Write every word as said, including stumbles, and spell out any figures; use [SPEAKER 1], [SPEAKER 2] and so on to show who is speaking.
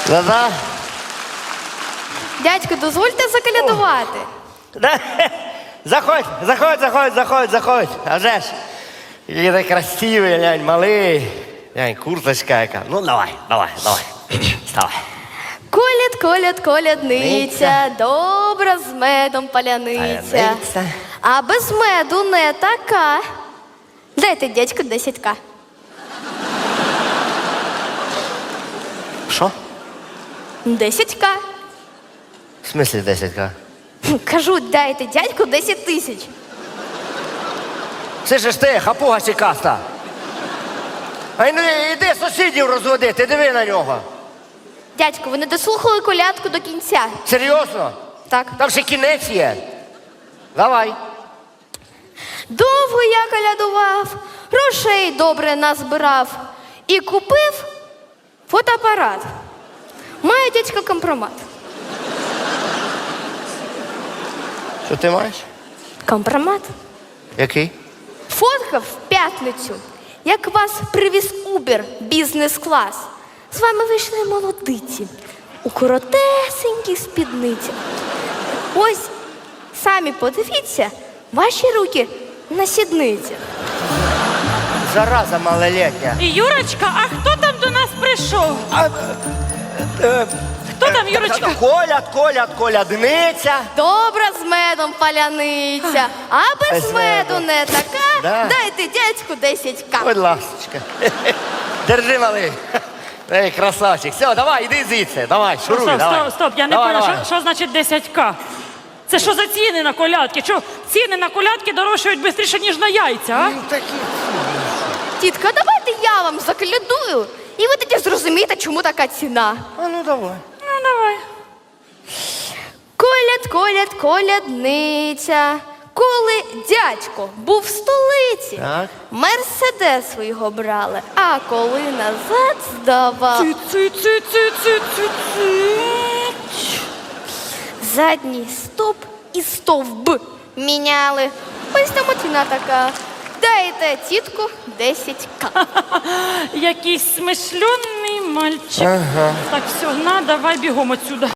[SPEAKER 1] Да-да.
[SPEAKER 2] Дядько, дозвольте заколядувати.
[SPEAKER 1] Да. Заходь, заходь, заходь, заходь, заходь. А вже ж. Який ти красивий, глянь, малий. Глянь, курточка яка. Ну, давай, давай, давай. Вставай.
[SPEAKER 2] Коляд, коляд, колядниця,
[SPEAKER 1] Ниця.
[SPEAKER 2] добра з медом паляниця.
[SPEAKER 1] Паляниця.
[SPEAKER 2] А без меду не така. Дайте, дядько, десять ка.
[SPEAKER 1] Що?
[SPEAKER 2] десять ка.
[SPEAKER 1] В смислі десять ка?
[SPEAKER 2] Кажу, дайте, дядьку, десять тисяч.
[SPEAKER 1] Це ж ти, хапуга сікаста. Ай, ну іди сусідів розводити, диви на нього.
[SPEAKER 2] Дядько, ви не дослухали колядку до кінця.
[SPEAKER 1] Серйозно?
[SPEAKER 2] Так.
[SPEAKER 1] Там ще кінець є. Давай.
[SPEAKER 2] Довго я колядував, грошей добре назбирав і купив фотоапарат. Має дядько компромат.
[SPEAKER 1] Що ти маєш?
[SPEAKER 2] Компромат?
[SPEAKER 1] Який?
[SPEAKER 2] Фоткав в п'ятницю, як вас привіз Убер бізнес-клас. З вами вийшли молодиці у коротесенькій спідниці. Ось, самі подивіться, ваші руки на сідниці.
[SPEAKER 1] Зараза малолетня.
[SPEAKER 3] Юрочка, а хто там до нас прийшов?
[SPEAKER 1] А, е,
[SPEAKER 3] Хто там, Юрочка?
[SPEAKER 1] Коляд, коляд, колядниця.
[SPEAKER 2] Добра з медом паляниця, а без
[SPEAKER 1] Без
[SPEAKER 2] меду
[SPEAKER 1] меду.
[SPEAKER 2] не така.
[SPEAKER 1] Да.
[SPEAKER 2] Дайте дядьку десять ка.
[SPEAKER 1] Будь ласочка. Держи, малий. Ей, красавчик. Все, давай, іди звідси. Давай, шуруй,
[SPEAKER 3] Стоп,
[SPEAKER 1] давай.
[SPEAKER 3] стоп, стоп, я не
[SPEAKER 1] Давай,
[SPEAKER 3] поняла,
[SPEAKER 1] давай.
[SPEAKER 3] що, що значить десять ка? Це що за ціни на колядки? Що ціни на колядки дорожчають швидше, ніж на яйця, а?
[SPEAKER 1] Ну, такі.
[SPEAKER 2] Тітка, давайте я вам заколядую, і ви тоді зрозумієте, чому така ціна.
[SPEAKER 1] А ну давай.
[SPEAKER 3] Ну, давай.
[SPEAKER 2] Коляд, коляд, колядниця. Коли дядько був в столиці,
[SPEAKER 1] Так.
[SPEAKER 2] мерседес його брали, а коли назад здавав,
[SPEAKER 3] Ци, ци, ци, ци, ци, ци, ци.
[SPEAKER 2] задній стоп і стовб міняли. Ось там ціна така. Дайте тітку десять ка.
[SPEAKER 3] Якийсь смишльоний мальчик.
[SPEAKER 1] Ага.
[SPEAKER 3] Так, все, на, давай бігом отсюда.